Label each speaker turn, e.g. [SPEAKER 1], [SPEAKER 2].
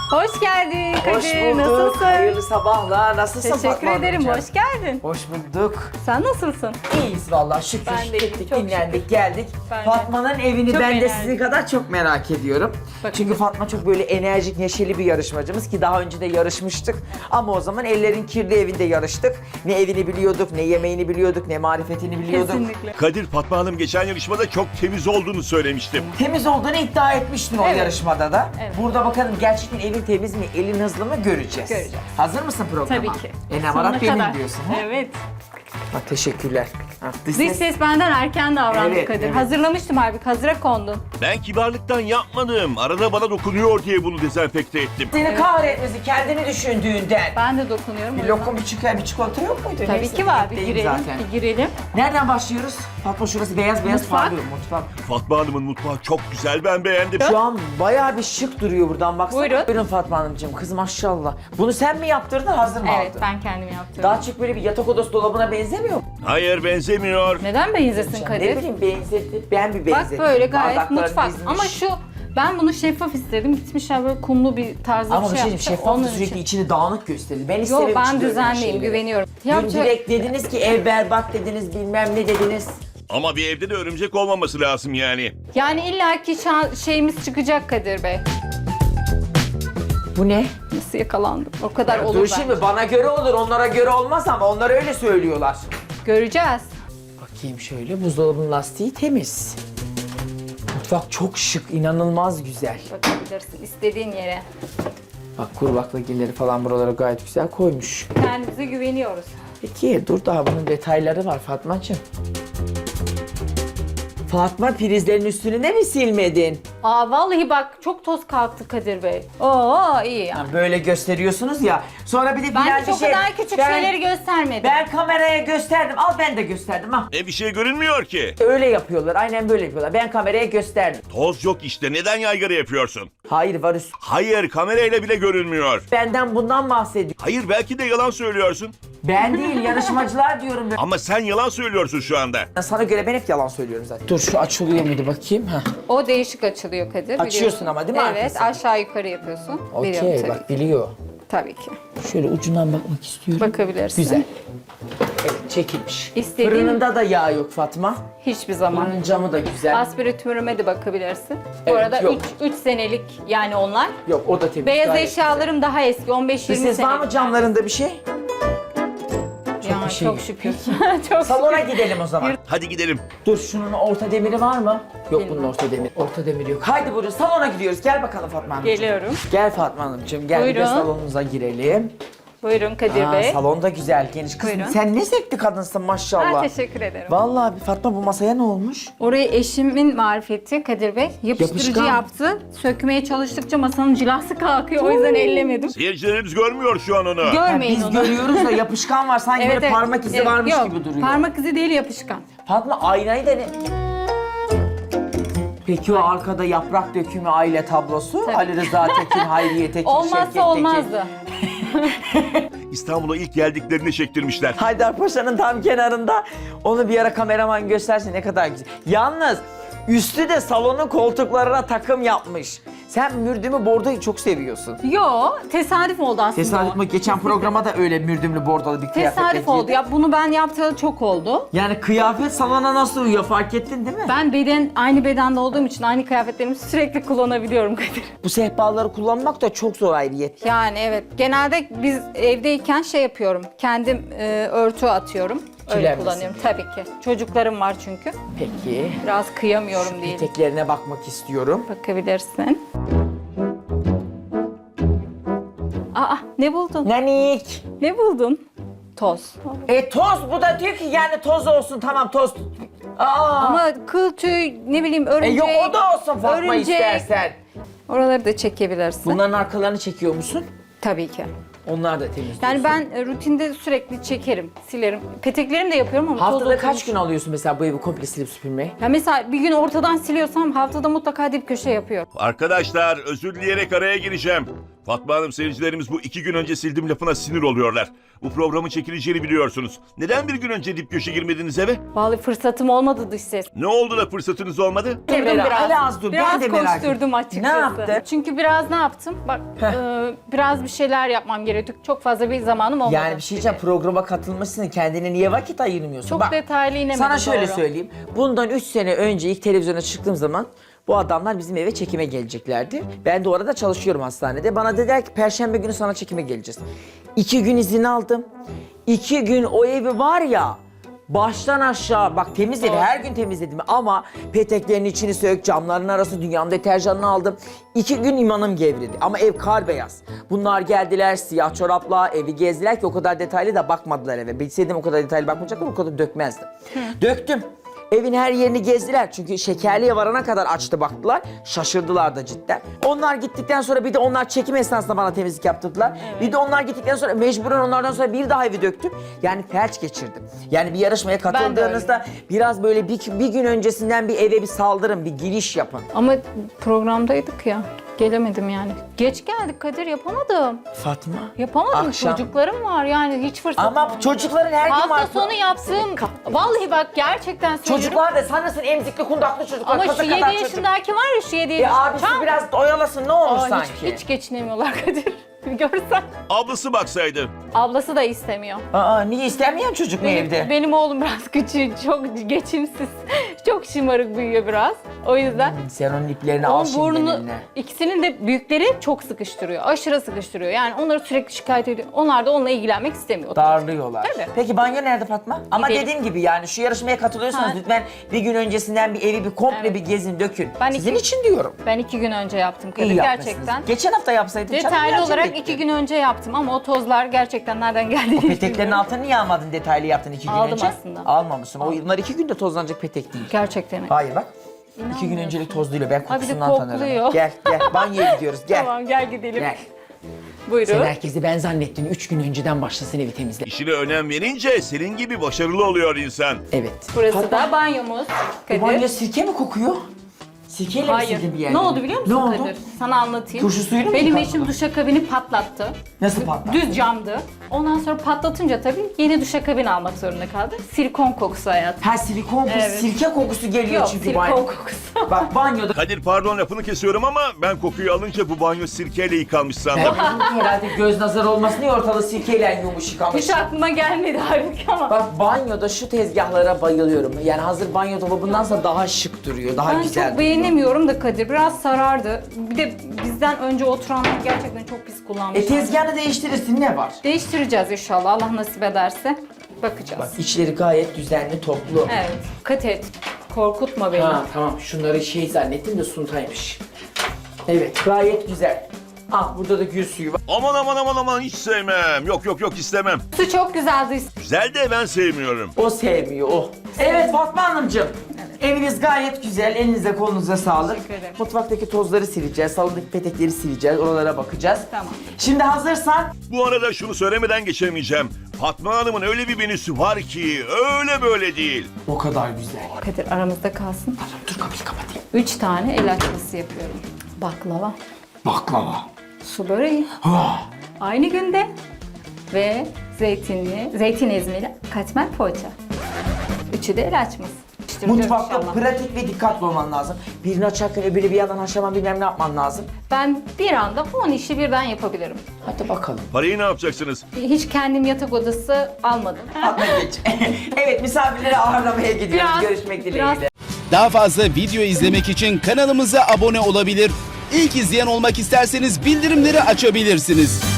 [SPEAKER 1] Hoş geldin Kadir.
[SPEAKER 2] Hoş bulduk.
[SPEAKER 1] Nasılsın?
[SPEAKER 2] Hayırlı sabahlar. Nasılsın
[SPEAKER 1] Teşekkür
[SPEAKER 2] Fatma
[SPEAKER 1] ederim.
[SPEAKER 2] Hanımcığım?
[SPEAKER 1] Hoş geldin.
[SPEAKER 2] Hoş bulduk.
[SPEAKER 1] Sen nasılsın?
[SPEAKER 2] İyiyiz vallahi şükür.
[SPEAKER 1] Ben de iyiyim,
[SPEAKER 2] Gittik,
[SPEAKER 1] çok
[SPEAKER 2] dinlendik, geldik.
[SPEAKER 1] Ben de.
[SPEAKER 2] Fatma'nın evini
[SPEAKER 1] Çok
[SPEAKER 2] ben de
[SPEAKER 1] enerjik.
[SPEAKER 2] sizin kadar çok merak ediyorum.
[SPEAKER 1] Bak-
[SPEAKER 2] Çünkü Fatma çok böyle enerjik, neşeli bir yarışmacımız ki daha önce de yarışmıştık. Ama o zaman ellerin kirli evinde yarıştık. Ne evini biliyorduk, ne yemeğini biliyorduk, ne marifetini biliyorduk.
[SPEAKER 1] Kesinlikle.
[SPEAKER 3] Kadir, Fatma Hanım geçen yarışmada çok temiz olduğunu söylemiştim.
[SPEAKER 2] Temiz olduğunu iddia etmiştin o
[SPEAKER 1] Evet.
[SPEAKER 2] yarışmada da.
[SPEAKER 1] Evet.
[SPEAKER 2] Burada bakalım gerçekten evin temiz mi, elin hızlı mı göreceğiz.
[SPEAKER 1] Göreceğiz.
[SPEAKER 2] Hazır mısın programa?
[SPEAKER 1] Tabii ki.
[SPEAKER 2] Namarat
[SPEAKER 1] Sonuna
[SPEAKER 2] benim
[SPEAKER 1] kadar.
[SPEAKER 2] diyorsun. Ha?
[SPEAKER 1] Evet.
[SPEAKER 2] Bak, teşekkürler. Ha, dış
[SPEAKER 1] Dış
[SPEAKER 2] ses-
[SPEAKER 1] ses benden erken davrandı
[SPEAKER 2] Evet,
[SPEAKER 1] Kadir.
[SPEAKER 2] evet.
[SPEAKER 1] Hazırlamıştım halbuki. Hazıra kondun.
[SPEAKER 3] Ben kibarlıktan yapmadım. Arada bana dokunuyor diye bunu dezenfekte ettim.
[SPEAKER 2] Seni kahretmesi kendini düşündüğünden.
[SPEAKER 1] Ben de dokunuyorum.
[SPEAKER 2] Bir
[SPEAKER 1] o yüzden.
[SPEAKER 2] lokum, bir çikolata yok muydu?
[SPEAKER 1] Tabii
[SPEAKER 2] Neyse,
[SPEAKER 1] ki var. Bir
[SPEAKER 2] bekleyeyim
[SPEAKER 1] girelim.
[SPEAKER 2] zaten.
[SPEAKER 1] Bir girelim.
[SPEAKER 2] Nereden başlıyoruz? Fatma şurası beyaz
[SPEAKER 1] Mutfak.
[SPEAKER 2] parlıyor mutfak.
[SPEAKER 3] Fatma Hanım'ın mutfağı çok güzel, ben beğendim.
[SPEAKER 2] Şu an bayağı bir şık duruyor buradan baksana.
[SPEAKER 1] Buyurun.
[SPEAKER 2] Buyurun Fatma Hanımcığım, kız maşallah. Bunu sen mi yaptırdın, hazır mı
[SPEAKER 1] Evet,
[SPEAKER 2] aldın?
[SPEAKER 1] ben kendim yaptım.
[SPEAKER 2] Daha çok böyle bir yatak odası dolabına benzemiyor mu?
[SPEAKER 3] Hayır, benzemiyor.
[SPEAKER 1] Neden benzesin
[SPEAKER 2] Ne
[SPEAKER 1] Kadir?
[SPEAKER 2] bileyim, benzetti. Ben bir benzettim.
[SPEAKER 1] Bak böyle gayet
[SPEAKER 2] Bardaklar
[SPEAKER 1] mutfak.
[SPEAKER 2] dizmiş.
[SPEAKER 1] Ama şu ben bunu şeffaf istedim. Gitmişler böyle kumlu bir tarzda
[SPEAKER 2] Ama
[SPEAKER 1] bir
[SPEAKER 2] bir
[SPEAKER 1] şey
[SPEAKER 2] şey diyeyim,
[SPEAKER 1] yapmışlar.
[SPEAKER 2] şeffaf da
[SPEAKER 1] Onun
[SPEAKER 2] sürekli
[SPEAKER 1] için.
[SPEAKER 2] içini dağınık gösterir. Ben
[SPEAKER 1] Yo,
[SPEAKER 2] istemem
[SPEAKER 1] ben
[SPEAKER 2] içinde öyle
[SPEAKER 1] düzenliyim,
[SPEAKER 2] şeyleri.
[SPEAKER 1] güveniyorum.
[SPEAKER 2] Dün
[SPEAKER 1] Yapacak-
[SPEAKER 2] direkt dediniz ki ev berbat dediniz, bilmem ne dediniz.
[SPEAKER 3] Ama bir evde de örümcek olmaması lazım yani.
[SPEAKER 1] Yani illaki şeyimiz çıkacak Kadir Bey.
[SPEAKER 2] Bu ne?
[SPEAKER 1] Nasıl yakalandım? O kadar olur
[SPEAKER 2] Dur
[SPEAKER 1] ben.
[SPEAKER 2] şimdi, bana göre olur, onlara göre olmaz ama onlar öyle söylüyorlar.
[SPEAKER 1] Göreceğiz.
[SPEAKER 2] Bakayım şöyle, buzdolabının lastiği temiz. Mutfak çok şık, inanılmaz güzel.
[SPEAKER 1] Bakabilirsin istediğin yere.
[SPEAKER 2] Bak, kuru baklagilleri falan buralara gayet güzel koymuş.
[SPEAKER 1] Kendimize güveniyoruz.
[SPEAKER 2] Peki dur, daha bunun detayları var Fatmacığım. Fatma, prizlerin üstünü de mi silmedin?
[SPEAKER 1] Aa vallahi bak çok toz kalktı Kadir Bey. Oo iyi yani.
[SPEAKER 2] Ha, böyle gösteriyorsunuz ya. Sonra bir de
[SPEAKER 1] Ben
[SPEAKER 2] Bilal
[SPEAKER 1] hiç
[SPEAKER 2] bir
[SPEAKER 1] o
[SPEAKER 2] şey...
[SPEAKER 1] kadar küçük
[SPEAKER 2] ben-
[SPEAKER 1] şeyleri göstermedim.
[SPEAKER 2] Ben kameraya gösterdim. Al, ben de gösterdim ha.
[SPEAKER 3] Bir şey görünmüyor ki.
[SPEAKER 2] Öyle yapıyorlar. Aynen böyle yapıyorlar. Ben kameraya gösterdim.
[SPEAKER 3] Toz yok işte, neden yaygara yapıyorsun?
[SPEAKER 2] Hayır, var üst.
[SPEAKER 3] Hayır, kamerayla bile görünmüyor.
[SPEAKER 2] Benden bundan bahsediyor.
[SPEAKER 3] Hayır, belki de yalan söylüyorsun.
[SPEAKER 2] Ben değil, yarışmacılar diyorum.
[SPEAKER 3] Ama sen yalan söylüyorsun şu anda.
[SPEAKER 2] Sana göre ben hep yalan söylüyorum zaten. Dur, şu açılıyor muydu bakayım? Heh.
[SPEAKER 1] O değişik açılıyor Kadir.
[SPEAKER 2] Açıyorsun
[SPEAKER 1] biliyorsun.
[SPEAKER 2] ama değil mi
[SPEAKER 1] Evet
[SPEAKER 2] arkasını?
[SPEAKER 1] aşağı yukarı yapıyorsun. Biliyorum
[SPEAKER 2] Okey,
[SPEAKER 1] tabii.
[SPEAKER 2] bak biliyor.
[SPEAKER 1] Tabii ki.
[SPEAKER 2] Şöyle ucundan bakmak istiyorum.
[SPEAKER 1] Bakabilirsin.
[SPEAKER 2] Güzel. Evet, çekilmiş.
[SPEAKER 1] İstediğin-
[SPEAKER 2] Fırınında da yağ yok Fatma.
[SPEAKER 1] Hiçbir zaman.
[SPEAKER 2] Fırının camı da güzel.
[SPEAKER 1] Aspiratörüme de bakabilirsin. Bu
[SPEAKER 2] Evet,
[SPEAKER 1] arada
[SPEAKER 2] yok.
[SPEAKER 1] 3 senelik yani onlar.
[SPEAKER 2] Yok, o da temiz.
[SPEAKER 1] Beyaz
[SPEAKER 2] gayet
[SPEAKER 1] eşyalarım daha eski 15-20
[SPEAKER 2] güzel.
[SPEAKER 1] senelik.
[SPEAKER 2] Ses var mı camlarında bir şey?
[SPEAKER 1] Ya,
[SPEAKER 2] bir şey
[SPEAKER 1] çok
[SPEAKER 2] yok.
[SPEAKER 1] şükür. Çok
[SPEAKER 2] Salona
[SPEAKER 1] şükür.
[SPEAKER 2] gidelim o zaman.
[SPEAKER 3] Hadi gidelim.
[SPEAKER 2] Dur, şunun orta demiri var mı? Yok,
[SPEAKER 1] Bilmem.
[SPEAKER 2] bunun orta demiri. Orta demiri yok. Haydi buyurun, salona gidiyoruz. Gel bakalım Fatma Hanımcığım.
[SPEAKER 1] Geliyorum.
[SPEAKER 2] Gel Fatma Hanımcığım, gel bir de
[SPEAKER 1] Buyurun.
[SPEAKER 2] salonumuza girelim.
[SPEAKER 1] Buyurun Kadir Bey.
[SPEAKER 2] Salon da güzel, geniş. Kızım
[SPEAKER 1] Buyurun.
[SPEAKER 2] sen ne zevkli kadınsın maşallah.
[SPEAKER 1] Ha, teşekkür ederim.
[SPEAKER 2] Vallahi Fatma, bu masaya ne olmuş?
[SPEAKER 1] Orayı eşimin marifeti Kadir Bey. Yapıştırıcı
[SPEAKER 2] Yapışkan.
[SPEAKER 1] yaptı. Sökmeye çalıştıkça masanın cilası kalkıyor. O yüzden ellemedim.
[SPEAKER 3] Seyircilerimiz görmüyor şu an onu.
[SPEAKER 1] Görmeyin
[SPEAKER 2] Biz
[SPEAKER 1] onu.
[SPEAKER 2] görüyoruz da yapışkan var, sanki böyle parmak izi
[SPEAKER 1] Evet,
[SPEAKER 2] varmış
[SPEAKER 1] yok,
[SPEAKER 2] gibi duruyor.
[SPEAKER 1] Parmak izi değil yapışkan.
[SPEAKER 2] Fatma, aynayı da ne? Peki o arkada yaprak dökümü aile tablosu?
[SPEAKER 1] Tabii.
[SPEAKER 2] Ali Rıza Tekin, Hayriye Tekin, Şevket
[SPEAKER 1] Olmazsa
[SPEAKER 2] Tekin.
[SPEAKER 1] olmazdı.
[SPEAKER 3] İstanbul'a ilk geldiklerinde çektirmişler.
[SPEAKER 2] Haydarpaşa'nın tam kenarında. Onu bir ara kameraman gösterse ne kadar güzel. Yalnız üstü de salonun koltuklarına takım yapmış. Sen mürdümü bordoyu çok seviyorsun.
[SPEAKER 1] Yo, tesadüf oldu aslında.
[SPEAKER 2] Tesadüf
[SPEAKER 1] o.
[SPEAKER 2] mü? Geçen programa da öyle mürdümlü bordalı bir kıyafetle
[SPEAKER 1] Tesadüf oldu.
[SPEAKER 2] giydin.
[SPEAKER 1] Ya bunu ben yaptığı çok oldu.
[SPEAKER 2] Yani kıyafet salona nasıl uyuyor, fark ettin değil mi?
[SPEAKER 1] Ben aynı bedende olduğum için aynı kıyafetlerimi sürekli kullanabiliyorum Kadir.
[SPEAKER 2] Bu sehpaları kullanmak da çok zor ayrıyet.
[SPEAKER 1] Yani evet. Genelde biz evdeyken şey yapıyorum. Kendim örtü atıyorum. Öyle
[SPEAKER 2] Kiler
[SPEAKER 1] kullanıyorum tabii ki. Çocuklarım var çünkü.
[SPEAKER 2] Peki.
[SPEAKER 1] Biraz kıyamıyorum diye.
[SPEAKER 2] Eteklerine bakmak istiyorum.
[SPEAKER 1] Bakabilirsin. Aa ne buldun?
[SPEAKER 2] Nanik.
[SPEAKER 1] Ne buldun? Toz.
[SPEAKER 2] Toz, bu da diyor ki yani toz olsun, tamam toz.
[SPEAKER 1] Ama kıl tüy ne bileyim örümcek.
[SPEAKER 2] Yok, o da olsun Fatma,
[SPEAKER 1] örümcek.
[SPEAKER 2] istersen.
[SPEAKER 1] Oraları da çekebilirsin.
[SPEAKER 2] Bunların arkalarını çekiyor musun?
[SPEAKER 1] Tabii ki.
[SPEAKER 2] Onlar da temiz.
[SPEAKER 1] Yani ben rutinde sürekli çekerim, silerim. Peteklerimi de yapıyorum ama
[SPEAKER 2] Haftada
[SPEAKER 1] toz
[SPEAKER 2] kaç
[SPEAKER 1] oturmuş.
[SPEAKER 2] gün alıyorsun mesela bu evi komple silip süpürmeyi?
[SPEAKER 1] Ya mesela bir gün ortadan siliyorsam haftada mutlaka dip köşe yapıyorum.
[SPEAKER 3] Arkadaşlar, özür dileyerek araya gireceğim. Fatma Hanım, seyircilerimiz bu 2 gün önce sildim lafına sinir oluyorlar. Bu programın çekileceğini biliyorsunuz. Neden bir gün önce dip köşe girmediniz eve?
[SPEAKER 1] Vallahi fırsatım olmadı dış ses.
[SPEAKER 3] Ne oldu da fırsatınız olmadı?
[SPEAKER 1] Durdum
[SPEAKER 2] Ali az dur, ben de merak ettim.
[SPEAKER 1] koşturdum açıkçası.
[SPEAKER 2] Ne yaptın?
[SPEAKER 1] Çünkü biraz ne yaptım? Bak biraz bir şeyler yapmam gerekiyor. Çok fazla bir zamanım olmadı.
[SPEAKER 2] Yani bir şey diyeceğim, programa katılmışsın, kendine niye vakit ayırmıyorsun?
[SPEAKER 1] Çok
[SPEAKER 2] Bak,
[SPEAKER 1] detaylı inemedim.
[SPEAKER 2] sana şöyle
[SPEAKER 1] doğru.
[SPEAKER 2] söyleyeyim. Bundan 3 sene önce ilk televizyona çıktığım zaman bu adamlar bizim eve çekime geleceklerdi. Ben de orada çalışıyorum hastanede. Bana dediler ki Perşembe günü sana çekime geleceğiz. 2 gün izin aldım. 2 gün o evi var ya, baştan aşağı bak temizledim, her gün temizledim ama peteklerin içini sök, camların arası, dünyanın deterjanını aldım. 2 gün imanım gevredi ama ev kar beyaz. Bunlar geldiler siyah çorapla evi gezdiler ki o kadar detaylı da bakmadılar eve. Bilseydim o kadar detaylı bakmayacaklar, o kadar dökmezdim. Döktüm. Evin her yerini gezdiler çünkü şekerliğe varana kadar açtı baktılar. Şaşırdılar da cidden. Onlar gittikten sonra bir de onlar çekim esnasında bana temizlik yaptırdılar. Bir de onlar gittikten sonra mecburen onlardan sonra bir daha evi döktüm. Yani felç geçirdim. Yani bir yarışmaya katıldığınızda biraz böyle bir gün öncesinden bir eve bir saldırın, bir giriş yapın.
[SPEAKER 1] Ama programdaydık ya. Gelemedim yani. Geç geldik Kadir, yapamadım.
[SPEAKER 2] Fatma.
[SPEAKER 1] Yapamadım.
[SPEAKER 2] Akşam.
[SPEAKER 1] Çocuklarım var yani, hiç fırsat
[SPEAKER 2] Ama
[SPEAKER 1] olmadı.
[SPEAKER 2] çocukların her gün var.
[SPEAKER 1] Hafta sonu yaptığım, vallahi bak gerçekten söylüyorum.
[SPEAKER 2] Çocuklar da sanırsın emzikli kundaklı çocuklar.
[SPEAKER 1] Ama
[SPEAKER 2] kasa
[SPEAKER 1] şu 7
[SPEAKER 2] kadar çocuk.
[SPEAKER 1] yaşındaki var ya, şu 7 yaşındaki.
[SPEAKER 2] Abisi biraz oyalasın ne olur
[SPEAKER 1] Aa,
[SPEAKER 2] sanki.
[SPEAKER 1] hiç geçinemiyorlar Kadir. Bir görsen.
[SPEAKER 3] Ablası baksaydı.
[SPEAKER 1] Ablası da istemiyor.
[SPEAKER 2] Aa, niye istemeyen çocuk mu evde?
[SPEAKER 1] Benim oğlum biraz küçük, çok geçimsiz. Çok şımarık büyüyor biraz. O yüzden.
[SPEAKER 2] Sen onun iplerini al
[SPEAKER 1] Onun
[SPEAKER 2] şimdi
[SPEAKER 1] burnunu,
[SPEAKER 2] eline.
[SPEAKER 1] ikisinin de büyükleri çok sıkıştırıyor. Aşırı sıkıştırıyor. Yani onları sürekli şikayet ediyor. Onlar da onunla ilgilenmek istemiyor.
[SPEAKER 2] Darlıyorlar.
[SPEAKER 1] Tabii.
[SPEAKER 2] Peki banyo nerede Fatma? Ama
[SPEAKER 1] Gidelim.
[SPEAKER 2] dediğim gibi yani şu yarışmaya katılıyorsanız
[SPEAKER 1] Ha.
[SPEAKER 2] lütfen bir gün öncesinden bir evi bir komple
[SPEAKER 1] Evet.
[SPEAKER 2] bir gezin, dökün.
[SPEAKER 1] Ben
[SPEAKER 2] Sizin
[SPEAKER 1] iki-
[SPEAKER 2] için diyorum.
[SPEAKER 1] Ben 2 gün önce yaptım Kadir,
[SPEAKER 2] İyi yapmışsınız.
[SPEAKER 1] gerçekten.
[SPEAKER 2] Geçen hafta yapsaydın canım,
[SPEAKER 1] Detaylı
[SPEAKER 2] gerçekten
[SPEAKER 1] olarak
[SPEAKER 2] bitti.
[SPEAKER 1] 2 gün önce yaptım ama o tozlar gerçekten nereden geldiğini hiç
[SPEAKER 2] Peteklerin
[SPEAKER 1] bilmiyorum.
[SPEAKER 2] altını niye almadın, detaylı yaptın 2 gün
[SPEAKER 1] Aldım
[SPEAKER 2] önce?
[SPEAKER 1] aslında.
[SPEAKER 2] Almamışsın. Onlar 2 günde tozlanacak petek değil.
[SPEAKER 1] Gerçekten.
[SPEAKER 2] Hayır bak. 2 gün
[SPEAKER 1] İnanmıyorsun.
[SPEAKER 2] öncelik tozluyla ben
[SPEAKER 1] Ay, bir de
[SPEAKER 2] kokusundan tanırım.
[SPEAKER 1] kokluyor.
[SPEAKER 2] Gel banyoya gidiyoruz gel.
[SPEAKER 1] Tamam, gel gidelim.
[SPEAKER 2] Gel.
[SPEAKER 1] Buyurun.
[SPEAKER 2] Sen herkesi ben zannettin 3 gün önceden başlasın evi temizle.
[SPEAKER 3] İşine önem verince senin gibi başarılı oluyor insan.
[SPEAKER 2] Evet.
[SPEAKER 1] Burası
[SPEAKER 2] Fatma,
[SPEAKER 1] da banyomuz Kadir.
[SPEAKER 2] bu banyo sirke mi kokuyor? Sirkeyle mi
[SPEAKER 1] Hayır.
[SPEAKER 2] sildin bir yerleri?
[SPEAKER 1] Ne oldu biliyor musun
[SPEAKER 2] Ne oldu?
[SPEAKER 1] Kadir? Sana anlatayım.
[SPEAKER 2] Turşu suyunu mu
[SPEAKER 1] Benim
[SPEAKER 2] yıkadın?
[SPEAKER 1] eşim duşakabini patlattı.
[SPEAKER 2] Nasıl patlattı?
[SPEAKER 1] Düz camdı. Ondan sonra patlatınca tabii yeni duşakabin almak zorunda kaldı. Silikon kokusu hayatım.
[SPEAKER 2] Ha silikon kokusu,
[SPEAKER 1] Evet.
[SPEAKER 2] sirke kokusu geliyor
[SPEAKER 1] Yok,
[SPEAKER 2] çünkü
[SPEAKER 1] silikon
[SPEAKER 2] banyo.
[SPEAKER 1] kokusu.
[SPEAKER 2] Bak banyoda
[SPEAKER 3] Kadir, pardon lafını kesiyorum ama ben kokuyu alınca bu banyo sirkeyle yıkanmış sandım.
[SPEAKER 2] ben herhalde göz nazarı olmasın diye ortalığı sirkeyle yumuş yıkamış.
[SPEAKER 1] Hiç aklıma gelmedi halbuki ama.
[SPEAKER 2] Bak banyoda şu tezgahlara bayılıyorum. Yani hazır banyo dolabındansa daha şık duruyor, daha
[SPEAKER 1] Ben
[SPEAKER 2] güzel
[SPEAKER 1] çok beğenemiyorum da Kadir. Biraz sarardı. Bir de bizden önce oturanlar gerçekten çok pis kullanmış.
[SPEAKER 2] Tezgahını değiştirirsin ne var?
[SPEAKER 1] Değiştireceğiz inşallah. Allah nasip ederse. Bakacağız.
[SPEAKER 2] Bak içleri gayet düzenli, toplu.
[SPEAKER 1] Evet. Dikkat et. Korkutma beni.
[SPEAKER 2] Ha tamam şunları şey zannettim de suntaymış. Evet gayet güzel. Ah burada da gül suyu var.
[SPEAKER 3] Aman aman aman aman, hiç sevmem. Yok istemem.
[SPEAKER 1] Su çok güzeldi.
[SPEAKER 3] Güzel de ben sevmiyorum.
[SPEAKER 2] O sevmiyor o. Evet Fatma Hanımcığım. Eviniz gayet güzel. Elinize kolunuza sağlık.
[SPEAKER 1] Teşekkür ederim.
[SPEAKER 2] Mutfaktaki tozları sileceğiz. Salondaki petekleri sileceğiz. Oralara bakacağız.
[SPEAKER 1] Tamam.
[SPEAKER 2] Şimdi hazırsan
[SPEAKER 3] Bu arada şunu söylemeden geçemeyeceğim. Fatma Hanım'ın öyle bir menüsü var ki öyle böyle değil.
[SPEAKER 2] o kadar güzel.
[SPEAKER 1] Kadir aramızda kalsın.
[SPEAKER 2] Dur kapıyı kapatayım.
[SPEAKER 1] 3 tane el açması yapıyorum. Baklava,
[SPEAKER 2] Baklava.
[SPEAKER 1] su böreği,
[SPEAKER 2] Ah.
[SPEAKER 1] aynı günde ve zeytin ezmeli katmer poğaça. Üçü de el açması. İşte
[SPEAKER 2] Mutfakta
[SPEAKER 1] inşallah.
[SPEAKER 2] pratik ve dikkatli olman lazım. Birini açarken öbürü bir yandan haşlaman bilmem ne yapman lazım.
[SPEAKER 1] Ben bir anda 10 işi birden yapabilirim.
[SPEAKER 2] Hadi bakalım.
[SPEAKER 3] Parayı ne yapacaksınız?
[SPEAKER 1] Hiç kendim yatak odası almadım.
[SPEAKER 2] Atla geç. Evet misafirleri ağırlamaya gidiyoruz.
[SPEAKER 1] Biraz-
[SPEAKER 2] Görüşmek dileğiyle.
[SPEAKER 1] biraz-
[SPEAKER 4] Daha fazla video izlemek için kanalımıza abone olabilir. İlk izleyen olmak isterseniz bildirimleri açabilirsiniz.